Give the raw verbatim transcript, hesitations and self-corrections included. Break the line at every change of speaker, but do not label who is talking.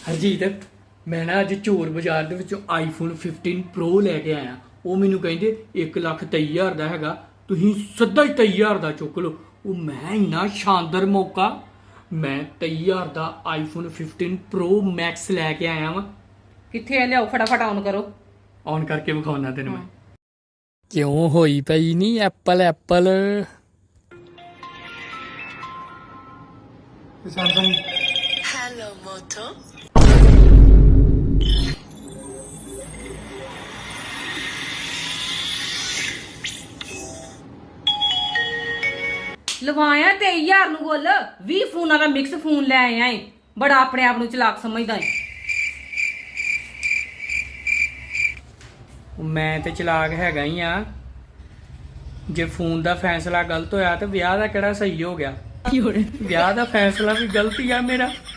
ਹਰਜੀਤ ਮੈਂ ਨਾ ਅੱਜ ਚੋਰ ਬਾਜ਼ਾਰ ਦੇ ਵਿੱਚੋਂ ਆਈਫੋਨ ਫਿਫਟੀਨ ਪ੍ਰੋ ਲੈ ਕੇ ਆਇਆ। ਉਹ ਮੈਨੂੰ ਕਹਿੰਦੇ ਇੱਕ ਲੱਖ ਤੇਈ ਹਜ਼ਾਰ ਦਾ ਹੈਗਾ, ਤੁਸੀਂ ਸਿੱਧਾ ਹੀ ਤੇਈ ਹਜ਼ਾਰ ਦਾ ਚੁੱਕ ਲਓ। ਉਹ ਮੈਂ ਇੰਨਾ ਸ਼ਾਨਦਾਰ ਮੌਕਾ, ਮੈਂ ਤੇਈ ਹਜ਼ਾਰ ਦਾ ਆਈਫੋਨ ਫਿਫਟੀਨ ਪ੍ਰੋ ਮੈਕਸ ਲੈ ਕੇ ਆਇਆ ਵਾਂ।
ਕਿੱਥੇ ਆ? ਲਿਆਓ ਫਟਾਫਟ ਆਨ ਕਰੋ।
ਆਨ ਕਰਕੇ ਵਿਖਾਉਣਾ ਤੈਨੂੰ ਮੈਂ। ਕਿਉਂ ਹੋਈ ਪਈ ਨਹੀਂ Apple Apple Samsung.
Hello, Moto.
ਲਵਾਇਆ ਤੇਈ ਹਜ਼ਾਰ ਨੂੰ ਗੁੱਲ ਵੀਹ ਫੋਨਾਂ ਦਾ ਮਿਕਸ ਫੋਨ ਲੈ ਆਇਆ ਏ। ਬੜਾ ਆਪਣੇ ਆਪ ਨੂੰ ਚਲਾਕ ਸਮਝਦਾ ਏ।
ਮੈਂ ਤੇ ਚਲਾਕ ਹੈਗਾ ਹੀ ਆ। ਜੇ ਫੋਨ ਦਾ ਫੈਸਲਾ ਗਲਤ ਹੋਇਆ ਤੇ ਵਿਆਹ ਦਾ ਕਿਹੜਾ ਸਹੀ ਹੋ ਗਿਆ? ਵਿਆਹ ਦਾ ਫੈਸਲਾ ਵੀ ਗਲਤ ਹੀ ਆ ਮੇਰਾ।